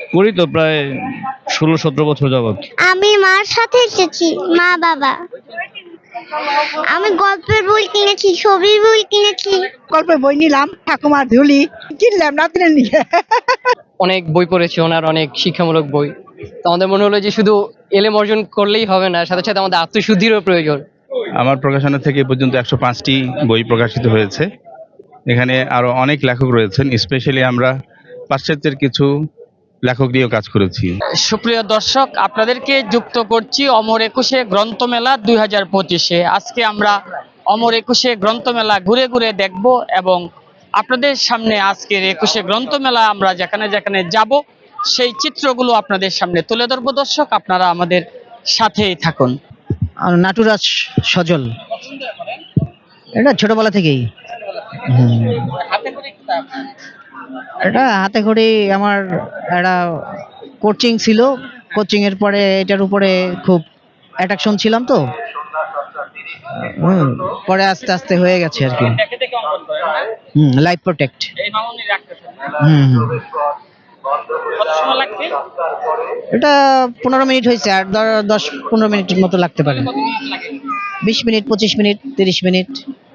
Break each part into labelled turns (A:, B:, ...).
A: করি তো প্রায় 16-17 বছর যাবত।
B: আমি মার সাথে এসেছি, মা বাবা। আমি গল্পের বই কিনেছি, ছবির বই কিনেছি।
C: গল্পের বই নিলাম, ঠাকুমার ঝুলি কিনলাম নাতিনের নিয়ে।
D: অনেক বই পড়েছি ওনার, অনেক শিক্ষামূলক বই। তো আমাদের মনে হলো যে শুধু এলেম অর্জন করলেই হবে না, সাথে সাথে আমাদের আত্মশুদ্ধিরও প্রয়োজন।
A: আমার প্রকাশনা থেকে এ পর্যন্ত 105টি বই প্রকাশিত হয়েছে। এখানে আরো অনেক লেখক রয়েছেন, স্পেশালি আমরা পাশ্চাত্যের কিছু লেখক নিয়েও কাজ করেছি।
E: সুপ্রিয় দর্শক, আপনাদেরকে যুক্ত করছি অমর একুশে গ্রন্থমেলা 2025-এ। আজকে আমরা অমর একুশে গ্রন্থমেলা ঘুরে ঘুরে দেখব এবং আপনাদের সামনে আজকের একুশে গ্রন্থমেলা আমরা যেখানে যেখানে যাব সেই চিত্রগুলো আপনাদের সামনে তুলে ধরবো। দর্শক, আপনারা আমাদের সাথেই থাকুন।
F: আর নাটুরাজ সজল, এটা ছোটবেলা থেকেই। এটা হাতে করে আমার একটা কোচিং ছিল, কোচিং এর পরে এটার উপরে খুব অ্যাট্রাকশন ছিলাম তো, পরে আস্তে আস্তে হয়ে গেছে আর কি। Life protect. এটা 15 মিনিট হয়েছে, আর 10-15 মিনিটের মতো লাগতে পারে। 20 মিনিট, 25 মিনিট, 30 মিনিট।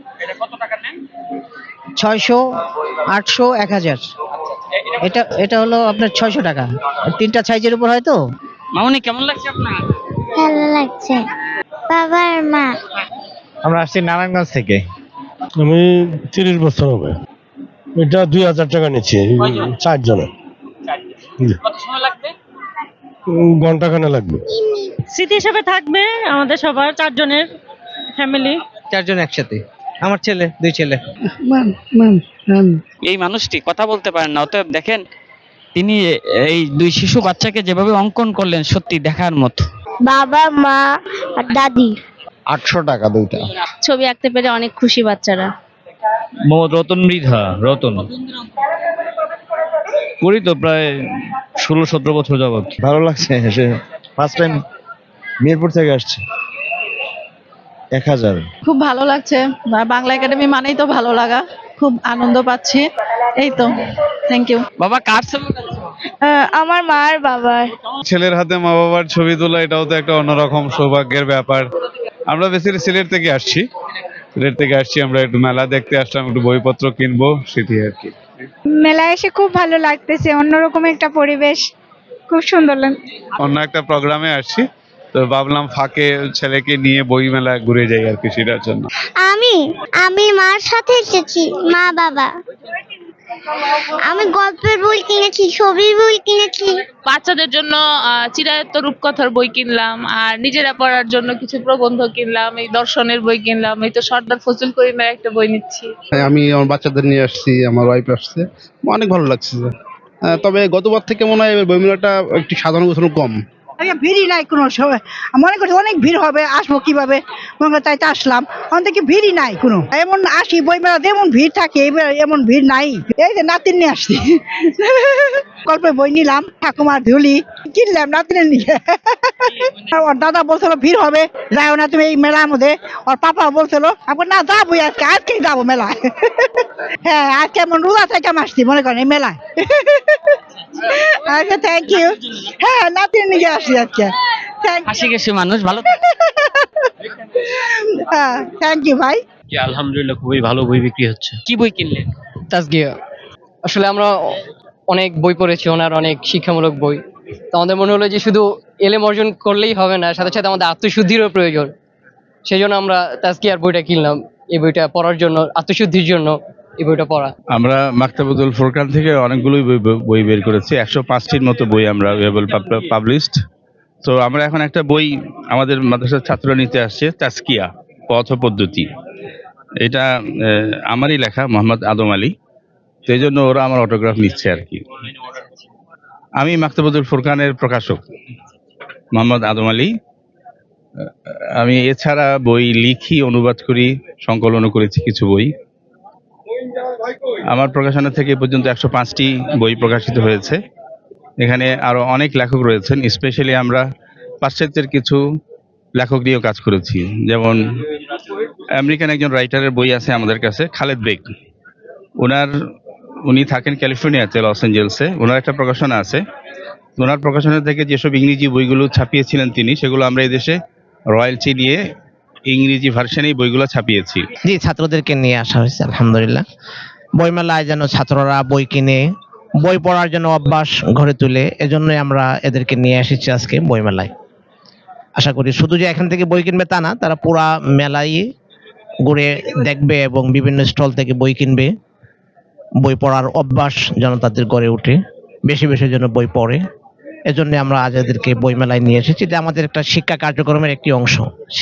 F: 600, 800, 1000। এটা হলো আপনার 600 টাকা। 3টা সাইজের উপর হয় তো।
E: মামুনি, কেমন লাগছে আপনার?
B: ভালো লাগছে। বাবা আর মা।
G: আমরা আসছি নারায়ণগঞ্জ থেকে।
H: আমি 30 বছর হবে। এটা 2000 টাকা নিচ্ছি 4 জনের।
E: কত সময় লাগবে?
H: ঘন্টাখানে লাগবে।
I: স্মৃতি হিসেবে থাকবে আমাদের সবার, 4 জনের ফ্যামিলি।
G: 4 জন একসাথে, আমার ছেলে, 2 ছেলে।
E: এই মানুষটি কথা বলতে পারেন না, অতএব দেখেন তিনি এই 2 শিশু বাচ্চাকে যেভাবে অঙ্কন করলেন সত্যি দেখার মতো।
B: বাবা, মা আর দাদি।
G: 800 টাকা দুইটা।
I: ছবি আঁকতে পেরে অনেক খুশি বাচ্চারা।
A: মোহাম্মদ রতন মৃধা, রতন। করি তো প্রায় 16-17 বছর যাবত।
G: ভালো লাগছে, ফার্স্ট টাইম মিরপুর থেকে আসছে। 1000।
I: খুব ভালো লাগছে, বাংলা একাডেমি মানেই তো ভালো লাগা, খুব আনন্দ পাচ্ছি। এই তো, থ্যাংক ইউ।
E: বাবা, কার ছবি?
B: আমার মা আর বাবার।
A: ছেলের হাতে মা বাবার ছবি তোলা, এটাও তো একটা অন্যরকম সৌভাগ্যের ব্যাপার। আমরা বেসিক্যালি সিলেট থেকে আসছি। আমরা একটু মেলা দেখতে আসলাম, একটু বইপত্র কিনবো, সেটি আর কি।
B: মেলায় এসে খুব ভালো লাগতেছে, অন্যরকম একটা পরিবেশ, খুব সুন্দর লাগছে।
A: অন্য একটা প্রোগ্রামে আসছি, তো ভাবলাম ফাঁকে ছেলেকে নিয়ে বই মেলা ঘুরে যাই আর কি, সেটার জন্য।
B: আমি মার সাথে এসেছি, মা বাবা। আমি গল্পের বই কিনেছি, ছবির বই কিনেছি।
I: বাচ্চাদের জন্য চিরায়ত রূপকথার বই কিনলাম, আর নিজেরা পড়ার জন্য কিছু প্রবন্ধ কিনলাম, এই দর্শনের বই কিনলাম। এই তো সর্দার ফজলুল করিমের একটা বই নিচ্ছি।
J: আমি আমার বাচ্চাদের নিয়ে আসছি, আমার ওয়াইফ আসছে, অনেক ভালো লাগছে। তবে গতবার থেকে মনে হয় বইমেলাটা একটু সাধারণ গোছানো কম।
C: ভিড়ই নাই কোনো সময়, মনে করছি অনেক ভিড় হবে, আসবো কিভাবে মনে করে তাই তো আসলাম। অনেক ভিড়ই নাই কোনো, এমন আসি বই মেলা যেমন ভিড় থাকে এবার এমন ভিড় নাই। এই যে নাতিন নিয়ে আসছি, গল্পের বই নিলাম, ঠাকুমার ঝুলি কিনলাম নাতিনের নিয়ে। ওর দাদা বলছিল ভিড় হবে, যাও না তুমি এই মেলার মধ্যে। ওর পাপা বলছিল এখন না যাবো, আজকেই যাবো মেলায়। হ্যাঁ, আজকে এমন রোজা থেকে আসছি মনে করেন এই মেলায়। আচ্ছা, থ্যাংক ইউ। হ্যাঁ, নাতির নিয়ে আসছি আজকে।
E: হাসি খুশি মানুষ, ভালো।
C: হ্যাঁ, থ্যাংক ইউ ভাই।
A: আলহামদুলিল্লাহ, খুবই ভালো বই বিক্রি হচ্ছে।
E: কি বই কিনলেন?
D: তাসগিয়া। আসলে আমরা অনেক বই পড়েছি ওনার, অনেক শিক্ষামূলক বই। তো আমাদের মনে হলো যে শুধু এলেম অর্জন করলেই হবে না, সাথে সাথে আমাদের আত্মশুদ্ধিরও প্রয়োজন। সেই জন্য আমরা তাসগিয়ার বইটা কিনলাম, এই বইটা পড়ার জন্য, আত্মশুদ্ধির জন্য এই বইটা পড়া।
A: আমরা মাকতাবুল ফুরকান থেকে অনেকগুলোই বই বের করেছি, 105টির মতো বই আমরা পাবলিশড। তো আমরা এখন একটা বই আমাদের মাদ্রাসার ছাত্ররা নিতে আসছে, তাসকিয়া, পথ ও পদ্ধতি। এটা আমারই লেখা, মোহাম্মদ আদম আলী। সেই জন্য ওরা আমার অটোগ্রাফ নিচ্ছে আর কি। আমি মাকতাবুল ফুরকানের প্রকাশক, মোহাম্মদ আদম আলী। আমি এছাড়া বই লিখি, অনুবাদ করি, সংকলনও করেছি কিছু বই। আমার প্রকাশনা থেকে এ পর্যন্ত 105টি বই প্রকাশিত হয়েছে। এখানে আরো অনেক লেখক রয়েছেন, স্পেশালি আমরা পাশ্চাত্যের কিছু লেখক নিয়েও কাজ করেছি। যেমন আমেরিকান একজন রাইটারের বই আছে আমাদের কাছে, খালেদ বেগ। উনি থাকেন ক্যালিফোর্নিয়াতে, লস এঞ্জেলসে। ওনার একটা প্রকাশনা আছে, ওনার প্রকাশনা থেকে যেসব ইংরেজি বইগুলো ছাপিয়েছিলেন তিনি, সেগুলো আমরা এদেশে রয়্যালটি নিয়ে ইংরেজি ভার্সনেই বইগুলো ছাপিয়েছি।
F: জি, ছাত্রদেরকে নিয়ে আসা হয়েছে আলহামদুলিল্লাহ। বইমেলায় যেন ছাত্ররা বই কিনে বই পড়ার জন্য অভ্যাস গড়ে তুলে, এজন্যই আমরা এদেরকে নিয়ে এসেছি আজকে বইমেলায়। আশা করি শুধু যে এখান থেকে বই কিনবে তা না, তারা পুরা মেলায় ঘুরে দেখবে এবং বিভিন্ন স্টল থেকে বই কিনবে। বই পড়ার অভ্যাস যেন তাদের গড়ে ওঠে, বেশি বেশি যেন বই পড়ে, এজন্য আমরা আজ এদেরকে বই মেলায় নিয়ে এসেছি। এটা আমাদের একটা শিক্ষা কার্যক্রমের একটি অংশ।